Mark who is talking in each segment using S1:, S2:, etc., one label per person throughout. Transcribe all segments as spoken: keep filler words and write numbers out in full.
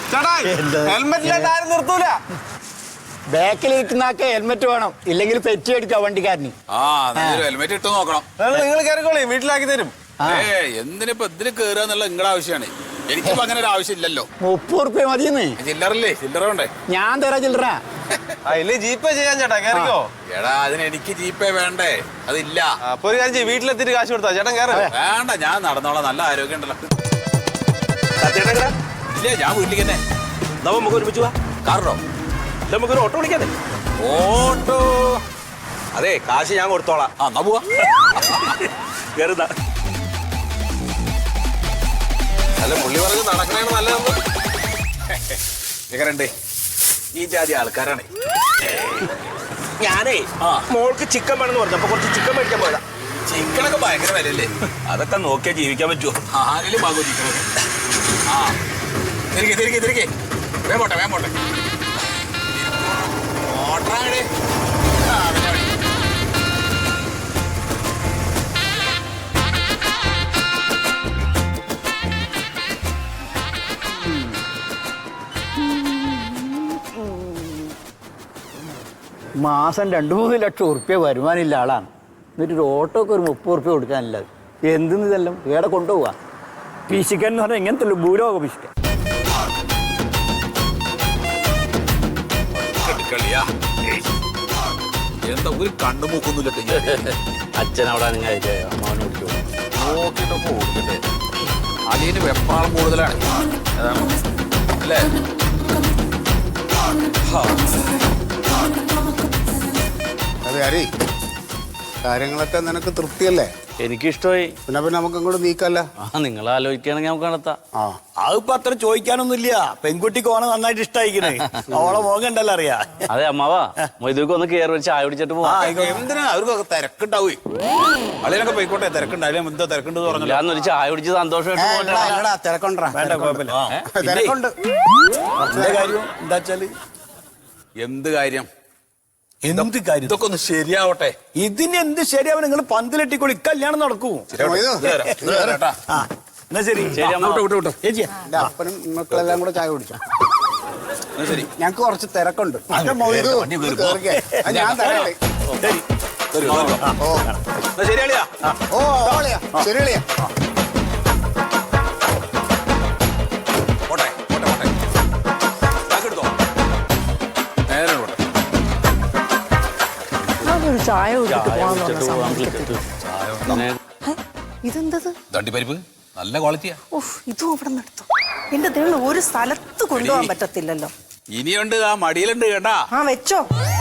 S1: നിർത്തൂല.
S2: ബാക്കിലിരിക്കുന്നൊക്കെ helmet വേണം, ഇല്ലെങ്കിൽ petty അടിക്കാം വണ്ടിക്കാരന്.
S3: ഹെൽമെറ്റ് ഇട്ട് നോക്കണം.
S1: നിങ്ങൾ കയറിക്കോളി, വീട്ടിലാക്കി തരും.
S3: എന്തിനിപ്പോ ഇതിന് കേറുക എന്നുള്ള നിങ്ങളുടെ ആവശ്യമാണ്. എനിക്കിപ്പോ അങ്ങനെ ഒരു ആവശ്യം ഇല്ലല്ലോ.
S2: മുപ്പത് റുപ്യ മതിയെന്ന്.
S3: ചില്ലറല്ലേ? ചില്ലറ വേണ്ടേ?
S2: ഞാൻ തരാ ചില്ലറ.
S1: ഇല്ലേ ജീപ്പേ ചെയ്യാൻ ചേട്ടാ, കയറിക്കോ.
S3: എടാ അതിന് എനിക്ക് ജീപ്പേ വേണ്ടേ? അതില്ല.
S1: അപ്പൊ ഒരു കാര്യം വീട്ടിലെത്തിട്ട് കാശ് കൊടുത്താ ചേട്ടൻ കയറി.
S3: വേണ്ട, ഞാൻ നടന്നോളാം. നല്ല ആരോഗ്യം ഉണ്ടല്ലോ. ഇല്ലേ, ഞാൻ വീട്ടിലേക്ക് തന്നെ.
S4: നമുക്ക് ഒരുമിച്ച് പോവാ.
S3: കാറിനോ?
S4: നമുക്കൊരു ഓട്ടോ വിളിക്കാതെ.
S3: ഓട്ടോ?
S4: അതെ, കാശ് ഞാൻ കൊടുത്തോളാം.
S3: ആ എന്നാ പോവാ.
S4: കയറുന്ന
S3: അല്ല, പുള്ളി പറഞ്ഞ് നടക്കണേണ് നല്ലതെന്ന്. എങ്ങനെയുണ്ട്? ഈ ജാതി ആൾക്കാരാണ്.
S4: ഞാനേ മോൾക്ക് ചിക്കൻ വേണമെന്ന് പറഞ്ഞു, അപ്പൊ കുറച്ച് ചിക്കൻ മേടിക്കാൻ പോയതാ.
S3: ചിക്കനൊക്കെ ഭയങ്കര വിലയല്ലേ?
S4: അതൊക്കെ നോക്കിയാ ജീവിക്കാൻ പറ്റുമോ?
S3: ആരെങ്കിലും വാങ്ങുമോ ചിക്കനൊക്കെ? ആ തിരികെ തിരികെ തിരികെ വേ പോട്ടെ വേ പോട്ടെ ഓട്ടറാങ്ങടേ. ആ പിന്നെ
S2: മാസം രണ്ടു മൂന്ന് ലക്ഷം ഉറുപ്പ്യ വരുമാനമില്ല ആളാണ്. എന്നിട്ടൊരു ഓട്ടോക്ക് ഒരു മുപ്പത് ഉറുപ്പ്യ കൊടുക്കാനില്ലത്. എന്തെന്ന് ഇതെല്ലാം വേറെ കൊണ്ടുപോവാ. പിശിക്കൻ എന്ന് പറഞ്ഞാൽ ഇങ്ങനത്തെ ഭൂലോക പിശിക്കൻ.
S3: എന്താ ഒരു കണ്ണു മൂക്കൊന്നുമില്ല.
S2: അച്ഛൻ അവിടെ അമ്മാവനെ വിളിച്ചു
S3: നോക്കിയിട്ടൊക്കെ ഓടിക്കട്ടെ. അലിയന് വെപ്രാളം കൂടുതലാണ്. അതാണ് അല്ലേ?
S5: അതെ ഹരി, കാര്യങ്ങളൊക്കെ നിനക്ക് തൃപ്തിയല്ലേ?
S2: എനിക്കിഷ്ടമായി.
S5: പിന്നെ പിന്നെ നമുക്ക് അങ്ങോട്ട് നീക്കല്ല.
S2: ആ നിങ്ങൾ ആലോചിക്കുകയാണെങ്കിൽ നമുക്ക് നടത്താം.
S5: ആ
S4: അതിപ്പോ അത്ര ചോദിക്കാനൊന്നുമില്ല. പെൺകുട്ടിക്ക് ഓനെ നന്നായിട്ട് ഇഷ്ടമായിക്കണേ. അവളെ മോകണ്ടല്ലോ അറിയാ.
S2: അതെ അമ്മാവാ, മൊയ്തുക്ക് ഒന്ന് കയറി ഒരു ചായ കുടിച്ചിട്ട് പോവാം.
S3: എന്തിനാ അവർക്കൊക്കെ തിരക്കുണ്ടാവേ? അളിയനൊക്കെ പോയിക്കോട്ടെ, തിരക്കുണ്ടായാലും എന്താ തിരക്കുണ്ടെന്ന് പറഞ്ഞില്ല.
S2: ഞാനൊരു ചായ കുടിച്ച് സന്തോഷമായിട്ട്
S5: തിരക്കൊണ്ടാ.
S4: വേണ്ട, കുഴപ്പമില്ല.
S5: തിരക്കുണ്ട്.
S4: കാര്യം എന്താ വെച്ചാല്
S3: എന്ത് കാര്യം?
S4: എന്ത് കാര്യം?
S3: ഇതൊക്കെ ഒന്ന് ശരിയാവട്ടെ.
S4: ഇതിന് എന്ത് ശരിയാവും? നിങ്ങൾ പന്തിലെട്ടിക്കോളി, കല്യാണം നടക്കൂ. എന്നാ ശരി.
S5: എന്റെ അപ്പനും മക്കളെല്ലാം കൂടെ ചായ കുടിച്ചു.
S3: ശരി,
S5: ഞങ്ങക്ക് കുറച്ച് തിരക്കുണ്ട്. ഞാൻ തരാം.
S4: ശരിയാളിയാ.
S5: ഓ ഓളിയാ, ശരിയാളിയാ.
S3: പോട്ടെ പോട്ടെ പോട്ടെ. എടുത്തോ, നേരെ പോട്ടെ.
S6: ചായ ഇതെന്തത്?
S3: തണ്ടിപ്പരിപ്പ് നല്ല ക്വാളിറ്റിയാ.
S6: ഓഹ്, ഇതും അവിടെ നിന്ന് എടുത്തോ. എന്റെ ദൈവം, ഒരു സ്ഥലത്ത് കൊണ്ടുപോകാൻ പറ്റത്തില്ലല്ലോ.
S3: ഇനിയുണ്ട്, ആ മടിയിലുണ്ട് കേട്ടാ.
S6: ആ വെച്ചോ.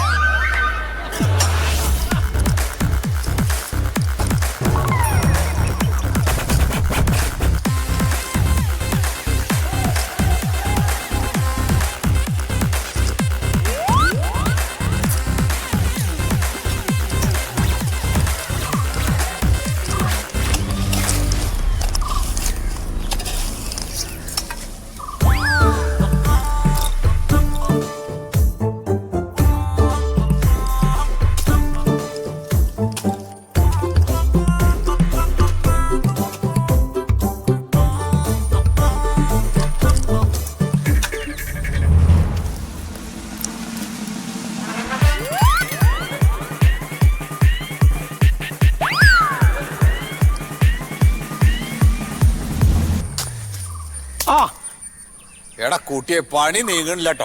S3: എടാ കൂട്ടിയെ പണി നീങ്ങണില്ലട്ടോ.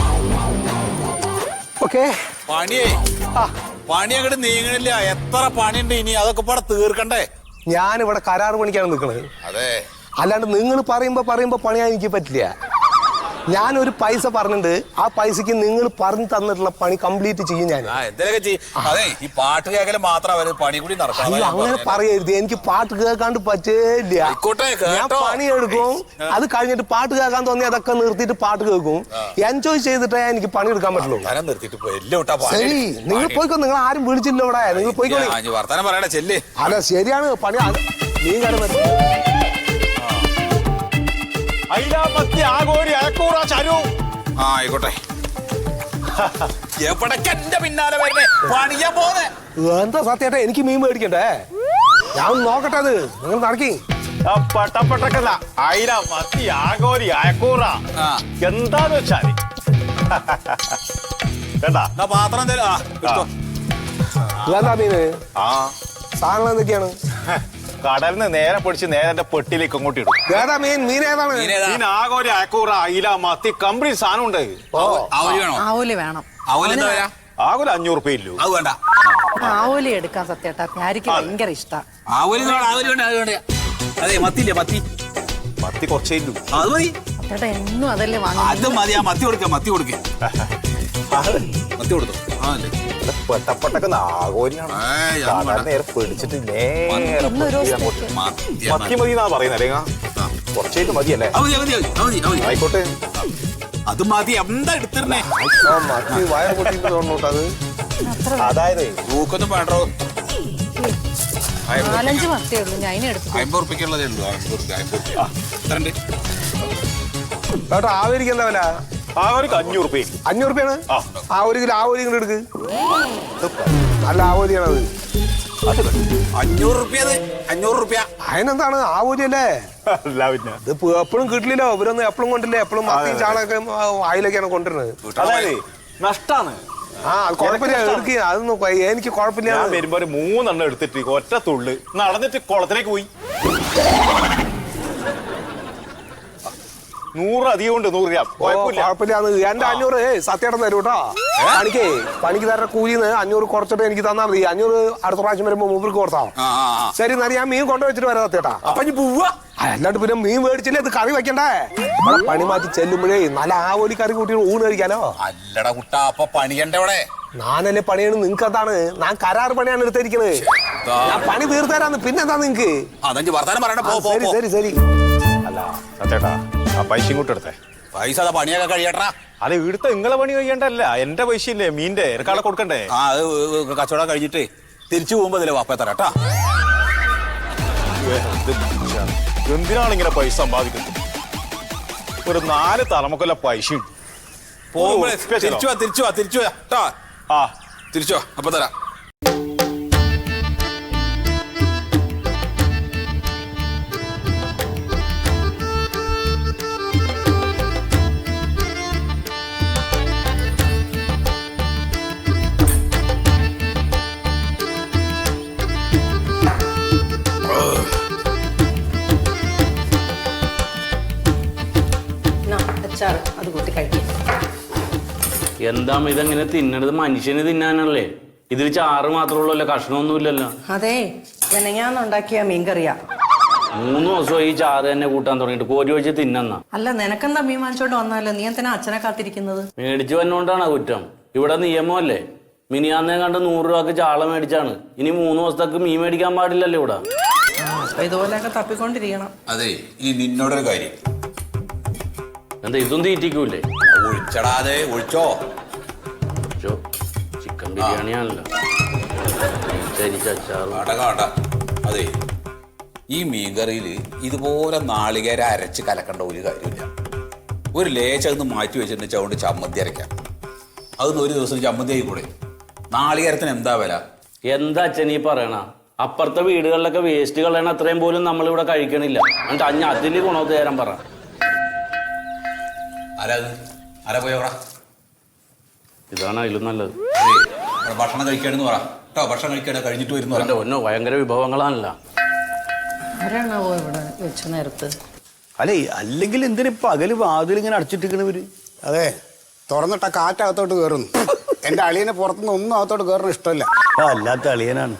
S3: പണിയേ പണി അങ്ങോട്ട് നീങ്ങണില്ല. എത്ര പണിയുണ്ട് ഇനി, അതൊക്കെ പാടെ തീർക്കണ്ടേ?
S1: ഞാനിവിടെ കരാറ് പണിക്കാണ് നിൽക്കണത്.
S3: അതെ,
S1: അല്ലാണ്ട് നിങ്ങൾ പറയുമ്പോ പറയുമ്പോ പണിയാൻ എനിക്ക് പറ്റില്ല. ഞാനൊരു പൈസ പറഞ്ഞിട്ടുണ്ട്, ആ പൈസക്ക് നിങ്ങൾ പറഞ്ഞു തന്നിട്ടുള്ള പണി കംപ്ലീറ്റ് ചെയ്യും ഞാൻ.
S3: എന്തെങ്കിലുമൊക്കെ ചെയ്യും. അതെ, ഈ പാട്ട് കേൾക്കല് മാത്രം അവര് പണി കൂടി നടക്കാം.
S1: അങ്ങനെ പറയരുത്, എനിക്ക് പാട്ട് കേൾക്കാണ്ട് പറ്റില്ല. ഞാൻ പണിയെടുക്കും, അത് കഴിഞ്ഞിട്ട് പാട്ട് കേൾക്കാൻ തോന്നി അതൊക്കെ നിർത്തിയിട്ട് പാട്ട് കേൾക്കും. എൻജോയ് ചെയ്തിട്ടേ എനിക്ക് പണി എടുക്കാൻ പറ്റുള്ളൂ. ശരി, നിങ്ങൾ പോയിക്കോ. നിങ്ങൾ ആരും വിളിച്ചില്ല ഇവിടെ, നിങ്ങൾ പോയിക്കോ.
S3: വർത്താനം പറയണേ, ചെല്ലേ.
S1: അല്ല ശരിയാണ്, പണി നീ കാര്യം
S3: ആയിക്കോട്ടെ. എവിടേക്കെന്റെ പിന്നാലെ വരുന്നേ? പണിയാ പോന്നെ.
S1: എന്താ സത്യേട്ടാ, എനിക്ക് മീൻ മേടിക്കണ്ടേ? ഞാൻ നോക്കട്ടെ, അത് നിങ്ങൾ നടക്കി.
S7: ആ പട്ടപ്പട്ടക്കല്ല അയില മത്തി ആകോരി അയക്കൂറ
S3: ആ.
S7: എന്താന്ന് വെച്ചാല് കേട്ടാ
S3: എന്നാ പാത്രം തരാ എടുത്തോ.
S1: ഇതാ മീന്
S7: ആ
S1: സാധനങ്ങൾ എന്തൊക്കെയാണ്?
S7: കടലിൽ നിന്ന് നേരെ പിടിച്ച് നേരെ എന്റെ പെട്ടിയിലേക്ക് അങ്ങോട്ട് ഇടും.
S1: ഏതാ മീൻ? മീൻ ഏതാണ്?
S3: മീനേതാ?
S7: പിന്നെ ആകോരി അയക്കൂറ അയില മത്തി കംപ്ലീറ്റ് സാധനം ഉണ്ട്.
S3: ആവോലി വേണോ?
S6: ആവോലി വേണം.
S3: ആവോലി എന്താ വരാ?
S7: ആകെ അഞ്ഞൂറ് റുപ്യ ഇല്ലു.
S3: അത് വേണ്ട.
S6: ആവോലി എടുക്കാൻ സത്യേട്ടാ പ്യാരിക്ക് ഭയങ്കര ഇഷ്ടാ.
S3: ആവോലി വേണ്ട, ആവോലി വേണ്ട, അത് വേണ്ട. അതെ മത്തിയില്ലേ മത്തി,
S7: മത്തി കുറച്ചേ ഇല്ലു.
S3: അത് മതി.
S6: സത്യേട്ടാ എന്നും അതല്ലേ
S3: അത്
S6: വാങ്ങുന്നത്.
S3: മതി. ആ മത്തി കൊടുക്ക, മത്തി കൊടുക്ക, മത്തി കൊടുത്തു. ആ അല്ലേ
S7: പെട്ടപ്പെട്ടൊക്കെ ആകോരിയാണ്.
S3: ഏയ്, അത്
S7: സാധാരണ
S3: വേണ്ട.
S7: നേരെ പിടിച്ചിട്ട് നേരെ
S6: ഇന്നൊരു
S7: പെട്ടി
S6: ദിവസത്തേക്ക്.
S7: അങ്ങോട്ട്.
S3: മത്തി
S7: മത്തി മതി എന്നാ പറയുന്നത് അല്ലെങ്കിൽ കുറച്ചേറ്റ് മതിയല്ലേ?
S3: അത് മതി, അത് മതി, അത് മതി, അത് മതി.
S7: ആയിക്കോട്ടെ.
S3: അത് മതി. എന്താ എടുത്തിരുന്നേ?
S1: ആ, മത്തി വയറ് പൊട്ടിയിട്ട് തോന്നോട്ട് അത്.
S6: അത്ര
S7: അതായത്
S3: തൂക്കൊന്നും വേണ്ടോ?
S6: നാലഞ്ച് മത്തിയേ ഉള്ളൂ, ഞാൻ അതിനെ എടുത്തു.
S3: അമ്പത് ഉറുപ്പിക്കുള്ളതേ ഉള്ളൂ. അമ്പത് ഉറുപ്പിക, അമ്പത് ഉറുപ്പിക. എത്ര ഉണ്ട്?
S1: കേട്ടോ ആവരിക്ക് എന്താ വില?
S7: ആകോരിക്ക് അഞ്ഞൂറ് റുപ്യ.
S1: അഞ്ഞൂറ് റുപ്യാണ്.
S7: ആ.
S1: ആ ഒരു കിലോ ആവോലി ഇങ്ങോട്ട് എടുക്ക്. നല്ല ആവോലിയാണത്.
S3: അഞ്ഞൂറ് റുപ്യ. അത് അഞ്ഞൂറ് റുപ്യ.
S1: അതിനെന്താണ് ആവോലി അല്ലേ?
S7: അല്ല പിന്നെ
S1: ഇത് എപ്പോഴും കിട്ടില്ലല്ലോ. ഇവരൊന്നും എപ്പോഴും കൊണ്ടില്ലേ. എപ്പോഴും മത്തിയും ചാളൊക്കെ ആയിലൊക്കെയാണ് കൊണ്ടുവരുന്നത്.
S7: അതായത് നഷ്ടാണ്.
S1: ആ അത് കുഴപ്പമില്ല, എടുക്കുക. അതൊന്നും കൊ- എനിക്ക് കുഴപ്പമില്ല.
S7: ഞാൻ വരുമ്പോ ഒരു മൂന്നെണ്ണം എടുത്തിട്ട് ഒറ്റ തുള്ളി നടന്നിട്ട് കുളത്തിലേക്ക് പോയി. നൂറ് അധികം ഉണ്ട്. നൂറ് രൂപ കുഴപ്പമില്ല.
S1: കുഴപ്പമില്ല. എന്റെ അഞ്ഞൂറ് സത്യേട്ടൻ തരും കേട്ടോ. പണിക്കേ പണിക്ക് തരുന്ന കൂലിന്ന് അഞ്ഞൂറ് കുറച്ചിട്ട് എനിക്ക് തന്നാൽ മതി. അഞ്ഞൂറ് അടുത്ത പ്രാവശ്യം വരുമ്പോ മൂപ്പർക്ക് കൊടുത്താ
S3: ആ ആ ആ.
S1: ശരി. എന്നാൽ ഞാൻ മീൻ കൊണ്ടുവച്ചിട്ട് വരാം സത്യേട്ടാ.
S3: അപ്പൊ ഇനി പോവാ.
S1: അല്ലാണ്ട് പിന്നെ മീൻ മേടിച്ചില്ലേ ഇത് കറി വെക്കണ്ടേ? ഇവിടെ പണി മാറ്റി ചെല്ലുമ്പോഴേ നല്ല ആവോലി കറി കൂട്ടി ഊണ് കഴിക്കാലോ.
S3: അല്ലടാ കുട്ടാ, അപ്പൊ പണിയണ്ട അവിടെ.
S1: ഞാനല്ലേ പണിയാണ്. നിങ്ങക്ക് എന്താണ്? ഞാൻ കരാറ് പണിയാണ് എടുത്തിരിക്കുന്നത്. ഞാൻ പണി തീർത്തരാന്ന്. പിന്നെന്താ നിങ്ങക്ക്?
S3: അതഞ്ച് വർത്താനം പറയണ്ട.
S1: ആ,
S3: പോ പോ
S1: ശരി
S3: പോ.
S1: ശരി ശരി.
S7: അല്ല സത്യേട്ടാ ആ പൈസ ഇങ്ങോട്ട് എടുത്തേ.
S3: പൈസ അതാ പണിയൊക്കെ കഴിയട്ടാ.
S7: അത് ഇവിടുത്തെ നിങ്ങളെ പണി കഴിയണ്ടല്ല, എന്റെ പൈസ ഇല്ലേ മീന്റെ എനക്കാളെ കൊടുക്കണ്ടേ?
S3: ആ അത് കച്ചവടം കഴിഞ്ഞിട്ട് തിരിച്ചു പോകുമ്പോ ഇതിലെ വാപ്പ തരാട്ടാ.
S7: എന്തിനാണ് ഇങ്ങനെ പൈസ സമ്പാദിക്കുന്നത്? ഒരു നാല് തലമുക്കൊല്ല പൈസ ഉണ്ട്.
S3: പോകുമ്പോഴേ
S7: special
S3: തിരിച്ചു വാ, തിരിച്ചു വാ, തിരിച്ചു വാ ട്ടാ.
S7: ആ
S3: തിരിച്ചു വാ, അപ്പൊ തരാം.
S6: എന്നാ, അച്ചാറ് അത് കൂട്ടി കഴിക്കും.
S8: എന്താ ഇതെങ്ങനെ തിന്നണത്? മനുഷ്യന് തിന്നാനല്ലേ? ഇതിൽ ചാറ് മാത്രമുള്ളല്ലോ, കഷ്ണമൊന്നുമില്ലല്ലോ.
S6: അതെ വെനങ്ങാന്നുണ്ടാക്കിയ മീൻകറിയാ.
S8: മൂന്ന് ദിവസമായി ഈ ചാറ് തന്നെ കൂട്ടാൻ തുടങ്ങിയിട്ട്. കോരി വെച്ച് തിന്നെന്നാ.
S6: അല്ല നിനക്കെന്താ മീൻ വാങ്ങിച്ചോണ്ട് വന്നാലോ? നീ എന്തിനാ അച്ഛനെ കാത്തിരിക്കുന്നത്?
S8: മേടിച്ചു വന്നോണ്ടാണ് കുറ്റം. ഇവിടെ നിയമമല്ലേ? മിനിയാന്നേ കണ്ട് നൂറ് രൂപക്ക് ചാള മേടിച്ചാണ്. ഇനി മൂന്ന് ദിവസത്തേക്ക് മീൻ മേടിക്കാൻ പാടില്ലല്ലോ ഇവിടെ.
S6: ആ, അപ്പൊ ഇതുപോലെയൊക്കെ തപ്പിക്കൊണ്ടിരിക്കണം.
S3: അതെ, ഈ നിന്നോടൊരു കാര്യം.
S8: എന്താ ഇതും തീറ്റിക്കൂലേ?
S3: ഒഴിച്ചടാതെ ഒഴിച്ചോ.
S8: ചോ, ചിക്കൻ ബിരിയാണിയാണല്ലോ. അച്ചാറ്
S3: കാട്ട കാട്ട. അതെ, ഈ മീൻകറിയില് ഇതുപോലെ നാളികേര അരച്ച് കലക്കേണ്ട ഒരു കാര്യമില്ല. ഒരു ലേശം മാറ്റി വെച്ചിട്ട് അതുകൊണ്ട് ചമ്മന്തി അരയ്ക്കാം. അതൊന്ന് ഒരു ദിവസം ചമ്മന്തി ആയിക്കൂടെ? നാളികേരത്തിന് എന്താ വില?
S8: എന്താ അച്ഛൻ ഈ പറയണ? അപ്പുറത്തെ വീടുകളിലൊക്കെ വേസ്റ്റ് കളയണ അത്രയും പോലും നമ്മളിവിടെ കഴിക്കണില്ല. എന്നിട്ട് അഞ്ഞ അതിന് ഗുണത്ത് തരാൻ പറ.
S3: ആരാ ആരാ പോയോടാ?
S8: ഇതാണ് അതിലും നല്ലത്.
S3: അതെ, ഇവിടെ ഭക്ഷണം കഴിക്കാണെന്ന് പറ കേട്ടോ. ഭക്ഷണം കഴിക്കാണ് കഴിഞ്ഞിട്ട് വരുന്നു
S8: എന്റെ ഒന്നോ ഭയങ്കര വിഭവങ്ങളാണല്ലോ.
S6: ആരാണാവോ ഇവിടെ വെച്ച നേരത്ത്?
S4: അല്ലേ അല്ലെങ്കിൽ എന്തിനാ പകല് വാതിൽ ഇങ്ങനെ അടച്ചിട്ടിരിക്കണവര്?
S5: അതെ, തുറന്നിട്ട കാറ്റകത്തോട്ട് കയറുന്നു. എന്റെ അളിയനെ പുറത്തുനിന്ന് ഒന്നും അകത്തോട്ട് കയറണ ഇഷ്ടമല്ല.
S4: ആ അല്ലാത്ത അളിയനാണ്.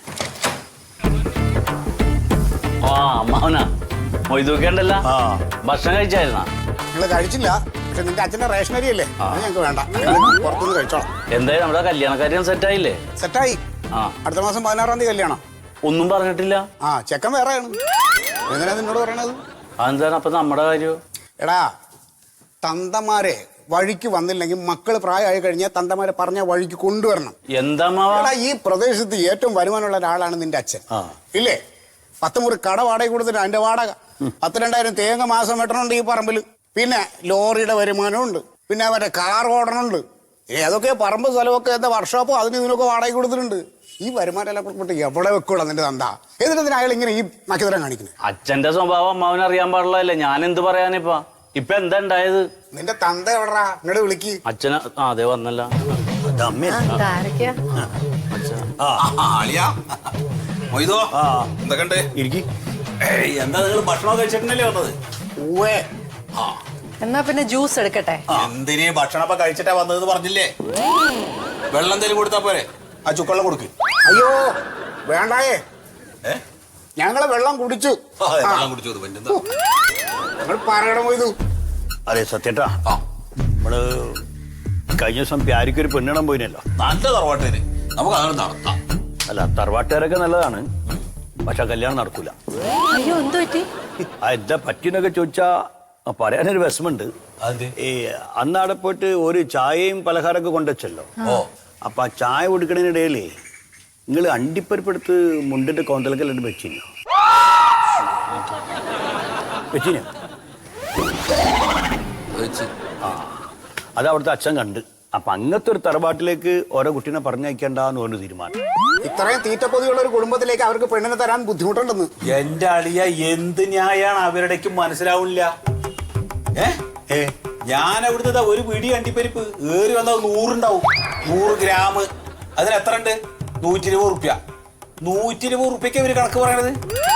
S8: ആ അമ്മാവനാ മൊയ്തൂക്കേണ്ടല്ല.
S4: ആ
S8: ഭക്ഷണം കഴിച്ചായിരുന്നാ?
S5: നിങ്ങൾ കഴിച്ചില്ല, പക്ഷെ നിന്റെ അച്ഛന്റെ റേഷനറി അല്ലേ, അത് ഞങ്ങൾക്ക് വേണ്ട. പുറത്തുനിന്ന് കഴിച്ചോളാം.
S8: എന്തായാലും നമ്മുടെ കല്യാണക്കാര്യം സെറ്റായില്ലേ?
S5: സെറ്റായി.
S8: ആ
S5: അടുത്ത മാസം പതിനാറാം തീയതി കല്യാണം.
S8: ഒന്നും പറഞ്ഞിട്ടില്ല.
S5: ആ ചെക്കൻ വേറെയാണ്. എന്തിനാ നിന്നോട് പറയണത്?
S8: അതെന്താണ് അപ്പൊ നമ്മുടെ കാര്യം?
S5: എടാ, തന്തമാരെ വഴിക്ക് വന്നില്ലെങ്കിൽ മക്കള് പ്രായമായി കഴിഞ്ഞാൽ തന്തമാരെ പറഞ്ഞ വഴിക്ക് കൊണ്ടുവരണം.
S8: എന്താ അമ്മാവാ?
S5: എടാ, ഈ പ്രദേശത്ത് ഏറ്റവും വരുമാനമുള്ള ഒരാളാണ് നിന്റെ അച്ഛൻ, ഇല്ലേ? പത്ത് മുറി കട വാടക കൊടുത്തിട്ട് അതിന്റെ വാടക പത്ത് രണ്ടായിരം തേങ്ങ മാസം വെട്ടണുണ്ട് ഈ പറമ്പിൽ. പിന്നെ ലോറിയുടെ വരുമാനമുണ്ട്, പിന്നെ അവരുടെ കാർ ഓടണുണ്ട്. ഏതൊക്കെ പറമ്പ് സ്ഥലമൊക്കെ എന്താ വർക്ക്ഷോപ്പോ അതിന് ഇതിനൊക്കെ വാടക കൊടുത്തിട്ടുണ്ട്. ഈ വരുമാനം എല്ലാം കൊടുത്തിട്ട് എവിടെ വെക്കോളാം നിന്റെ തന്ത? എന്നിട്ട് അയാൾ ഇങ്ങനെ ഈ നക്കിതരം കാണിക്കുന്നത്?
S8: അച്ഛന്റെ സ്വഭാവം അമ്മാവൻ അറിയാൻ പാടില്ലല്ലേ, ഞാൻ എന്ത് പറയാനിപ്പാ? ഇപ്പൊ എന്താ ഉണ്ടായത്?
S5: നിന്റെ തന്ത എവിടാ? ഇങ്ങോട്ട് വിളിക്ക്.
S8: അച്ഛന ആ അതെ വന്നല്ല.
S3: എന്തൊക്കെ
S4: ഇരിക്കി.
S3: എന്താ നിങ്ങൾ ഭക്ഷണം കഴിച്ചിട്ടുണ്ടല്ലേ വന്നത്?
S5: ഊവേ.
S6: എന്നാ പിന്നെ ജ്യൂസ് എടുക്കട്ടെ.
S3: എന്തിനീ ഭക്ഷണം ഇപ്പൊ കഴിച്ചിട്ടാ വന്നതെന്ന് പറഞ്ഞില്ലേ? വെള്ളം എന്തെങ്കിലും കൊടുത്താ പോരെ? ആ ചുക്കള്ളം കൊടുക്ക്.
S5: അയ്യോ വേണ്ടായേ,
S3: ഏ
S5: ഞങ്ങള് വെള്ളം കുടിച്ചു.
S3: ആ, വെള്ളം കുടിച്ചു. പിന്നെന്താ
S5: ഞങ്ങൾ പറയണം പോയതു.
S4: അതെ സത്യേട്ടാ, നമ്മള് കഴിഞ്ഞ ദിവസം പ്യാരിക്കൊരു പെണ്ണിടം പോയിനല്ലോ.
S3: നല്ല തറവാട്ടേന് നമുക്ക് അങ്ങനെ നടത്താം.
S4: അല്ല തറവാട്ടുകാരൊക്കെ നല്ലതാണ്, പക്ഷെ കല്യാണം നടക്കൂല.
S6: അയ്യോ എന്ത് പറ്റി?
S4: ആ എന്താ പറ്റിയെന്നൊക്കെ ചോദിച്ചാ പറയാനൊരു വിഷമുണ്ട്. ഈ അന്നാടെ പോയിട്ട് ഒരു ചായയും പലഹാരമൊക്കെ കൊണ്ടുവച്ചല്ലോ.
S3: ഓ
S4: അപ്പൊ ആ ചായ കൊടുക്കണതിനിടയിലേ നിങ്ങൾ അണ്ടിപ്പരിപ്പെടുത്ത് മുണ്ടിന്റെ കോന്തലക്കെല്ലാം വെച്ചിനോ? വെച്ചിനോ? ആ അത് അവിടുത്തെ അച്ഛൻ കണ്ട്. അപ്പൊ അങ്ങനത്തെ ഒരു തറവാട്ടിലേക്ക് ഓരോ കുട്ടീനെ പറഞ്ഞയക്കണ്ടെന്ന് പറഞ്ഞു തീരുമാനം.
S5: ഇത്രയും തീറ്റപ്പൊതിയുള്ള ഒരു കുടുംബത്തിലേക്ക് അവർക്ക് പെണ്ണിനെ തരാൻ ബുദ്ധിമുട്ടുണ്ടെന്ന്.
S3: എന്റെ അളിയ എന്ത് ന്യായാണ് അവരുടേക്ക് മനസ്സിലാവില്ല. ഏ
S4: ഏ
S3: ഞാൻ അവിടുത്തെ ഒരു പിടി അണ്ടിപ്പരിപ്പ് ഏറി വന്നാൽ നൂറുണ്ടാവും. നൂറ് ഗ്രാം അതിന് എത്ര ഉണ്ട്? നൂറ്റി ഇരുപത് റുപ്യ. നൂറ്റി ഇരുപത് റുപ്യക്ക് ഇവര് കണക്ക് പറയണത്.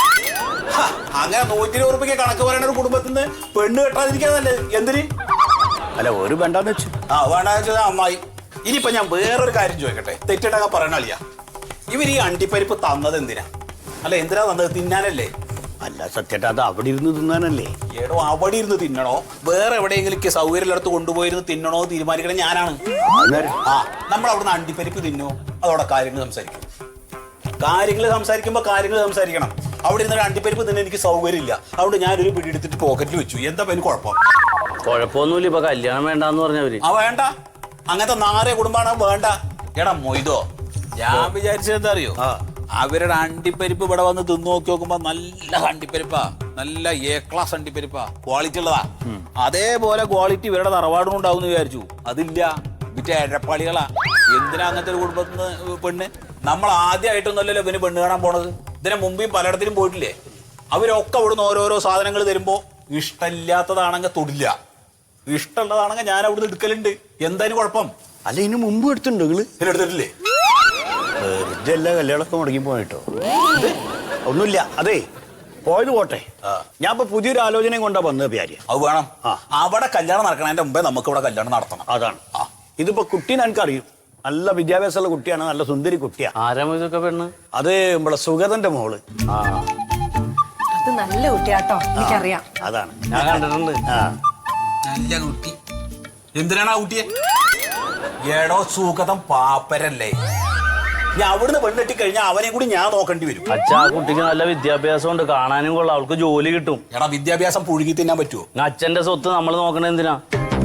S3: അങ്ങനെ നൂറ്റി ഇരുപത് റുപ്യക്ക് കണക്ക് പറയണ ഒരു കുടുംബത്തിൽ നിന്ന് പെണ്ണ് കെട്ടാതിരിക്കാന്നല്ലേ? എന്തിന്?
S4: അല്ല ഒരു വേണ്ടാന്ന് വെച്ചു.
S3: ആ വേണ്ടാന്ന് വെച്ചാൽ അമ്മായി. ഇനിയിപ്പൊ ഞാൻ വേറൊരു കാര്യം ചോദിക്കട്ടെ, തെറ്റിട്ടൊക്കെ പറയണ അളിയ, ഇവർ ഈ അണ്ടിപ്പരിപ്പ് തന്നത് എന്തിനാ? അല്ല എന്തിനാ തന്നത്? തിന്നാനല്ലേ?
S4: അല്ല സത്യേട്ടാ, അത് അവിടെ ഇരുന്ന് തിന്നാനല്ലേ?
S3: ഏടോ അവിടെ ഇരുന്ന് തിന്നണോ വേറെ എവിടെയെങ്കിലും സൗകര്യമുള്ളിടത്ത് കൊണ്ടുപോയിരുന്ന് തിന്നണോ തീരുമാനിക്കണേ ഞാനാണ്. ആ നമ്മൾ അവിടുന്ന് അണ്ടിപ്പരിപ്പ് തിന്നോ അതോടെ കാര്യങ്ങൾ സംസാരിക്കും. കാര്യങ്ങൾ സംസാരിക്കുമ്പോ കാര്യങ്ങൾ സംസാരിക്കണം. അവിടെ ഇരുന്ന് അണ്ടിപ്പരിപ്പ് തിന്നെ എനിക്ക് സൗകര്യമില്ല, അതുകൊണ്ട് ഞാനൊരു പിടി എടുത്തിട്ട് പോക്കറ്റിൽ വെച്ചു. എന്താ എനിക്ക് കുഴപ്പം?
S8: കുഴപ്പമൊന്നുമില്ല, ഇപ്പൊ കല്യാണം വേണ്ടാന്ന് പറഞ്ഞവര്.
S3: ആ വേണ്ട, അങ്ങനത്തെ നാറേ കുടുംബാണ് വേണ്ട. എടാ മൊയ്തോ, ഞാൻ വിചാരിച്ചത് എന്താ അറിയോ, അവരുടെ അണ്ടിപ്പരിപ്പ് ഇവിടെ വന്ന് തിന്നു നോക്കി നോക്കുമ്പോ നല്ല അണ്ടിപ്പരിപ്പാ, നല്ല എ ക്ലാസ് അണ്ടിപ്പരിപ്പാ, ക്വാളിറ്റി ഉള്ളതാ. അതേപോലെ ക്വാളിറ്റി ഇവരുടെ തറവാടും ഉണ്ടാവും എന്ന് വിചാരിച്ചു. അതില്ല, വിറ്റ എഴപ്പാളികളാ. എന്തിനാ അങ്ങനത്തെ ഒരു കുടുംബത്തിന് പെണ്ണ്? നമ്മൾ ആദ്യമായിട്ടൊന്നുമല്ലല്ലോ ഇവന് പെണ്ണ് കാണാൻ പോണത്. ഇതിനെ മുമ്പേയും പലയിടത്തിലും പോയിട്ടില്ലേ? അവരൊക്കെ അവിടുന്ന് ഓരോരോ സാധനങ്ങൾ തരുമ്പോ ഇഷ്ടമില്ലാത്തതാണെങ്കിൽ തൊടില്ല, ഇഷ്ടമുള്ളതാണെങ്കിൽ ഞാൻ അവിടുന്ന് എടുക്കലുണ്ട്. എന്തായാലും കുഴപ്പം?
S4: അല്ല ഇതിന് മുമ്പ് എടുത്തിട്ടുണ്ടോ നിങ്ങള്?
S3: എടുത്തിട്ടില്ലേ?
S4: വെറുതെ എല്ലാ കല്യാണമൊക്കെ മുടങ്ങി പോയിട്ടോ. ഒന്നുമില്ല, അതെ പോയത് പോട്ടെ. ഞാൻ ഇപ്പൊ പുതിയൊരു ആലോചനയും കൊണ്ടാ വന്നത് പ്യാരി.
S3: അത് വേണം. അവിടെ കല്യാണം നടക്കണതിന്റെ മുമ്പേ നമുക്ക് ഇവിടെ കല്യാണം നടത്തണം.
S4: അതാണ്. ഇതിപ്പോ കുട്ടീനെ എനിക്കറിയും, നല്ല വിദ്യാഭ്യാസമുള്ള കുട്ടിയാണ്, നല്ല സുന്ദരി കുട്ടിയാ.
S8: ആരാ ഇതൊക്കെ പെണ്ണ്?
S4: അത് നമ്മളെ സുഗതന്റെ മോള്.
S8: ആ
S6: അത് നല്ല കുട്ടിയാട്ടോ, എനിക്കറിയാം.
S4: അതാണ്
S8: ഞാൻ കണ്ടിട്ടുണ്ട്.
S4: ആ
S3: നല്ല കുട്ടി. എന്തിനാണ് ആ കുട്ടിയെ? ഏടോ സുഗതം പാപ്പരല്ലേ? ഞാൻ അവിടുന്ന് പെണ്ണെട്ടി കഴിഞ്ഞാൽ അവനെ കൂടി ഞാൻ നോക്കേണ്ടി വരും.
S8: അച്ഛാ, ആ കുട്ടിക്ക് നല്ല വിദ്യാഭ്യാസം ഉണ്ട്, കാണാനും കൊള്ളാം, അവൾക്ക് ജോലി കിട്ടും.
S3: എടാ വിദ്യാഭ്യാസം പുഴുകി തിന്നാൻ പറ്റുമോ?
S8: അച്ഛന്റെ സ്വത്ത് നമ്മൾ നോക്കണ എന്തിനാ?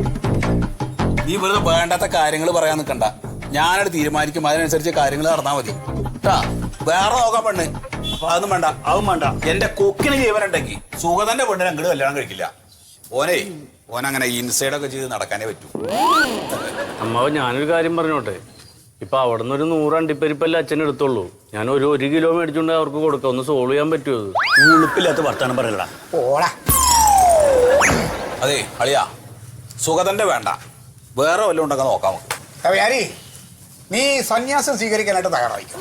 S3: നീ വെറുതെ വേണ്ടാത്ത കാര്യങ്ങൾ പറയാൻ നിൽക്കണ്ട. ഞാനത് തീരുമാനിക്കും, അതിനനുസരിച്ച് കാര്യങ്ങൾ നടന്നാൽ മതി കേട്ടാ. വേറെ നോക്കാൻ പെണ്ണ് അപ്പൊ അതൊന്നും വേണ്ട.
S4: അതും വേണ്ട.
S3: എന്റെ കൊക്കിന് ജീവനുണ്ടെങ്കിൽ സുഗതന്റെ പെണ്ണിനെ അങ്ങോട്ട് കല്യാണം കഴിക്കില്ല. ഓനെ ഓനങ്ങനെ ഇൻസൈഡൊക്കെ ചെയ്ത് നടക്കാനേ പറ്റൂ.
S8: അമ്മാവ് ഞാനൊരു കാര്യം പറഞ്ഞോട്ടെ, ഇപ്പൊ അവിടെ നിന്ന് ഒരു നൂറ് അണ്ടിപ്പരിപ്പല്ലേ അച്ഛൻ എടുത്തോളൂ. ഞാൻ ഒരു ഒരു കിലോ മേടിച്ചുകൊണ്ട് അവർക്ക് കൊടുക്കാം. ഒന്ന് സോൾവ് ചെയ്യാൻ പറ്റുമോ? അത്
S4: ഉളുപ്പില്ലാത്ത വർത്താനം പറയലടാ.
S5: ഓടാ.
S3: അതെ അളിയാ, സുഗതന്റെ വേണ്ട, വേറെ വല്ലതും ഉണ്ടെങ്കിൽ നോക്കാം നമുക്ക്.
S5: പ്യാരി, നീ സന്യാസം സ്വീകരിക്കാനായിട്ട് തയ്യാറായിക്കോ.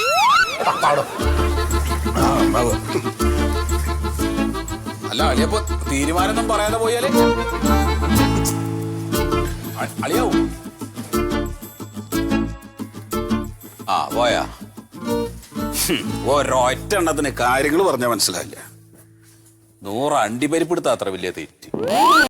S3: അല്ല അളിയപ്പോ തീരുമാനം പറയാതെ പോയാലേ അളിയാവൂ. ആ പോയാ ഒരൊറ്റ എണ്ണത്തിന് കാര്യങ്ങൾ പറഞ്ഞാൽ മനസ്സിലായില്ല. നൂറ് അണ്ടിപ്പരിപ്പെടുത്ത അത്ര വലിയ തെറ്റ്.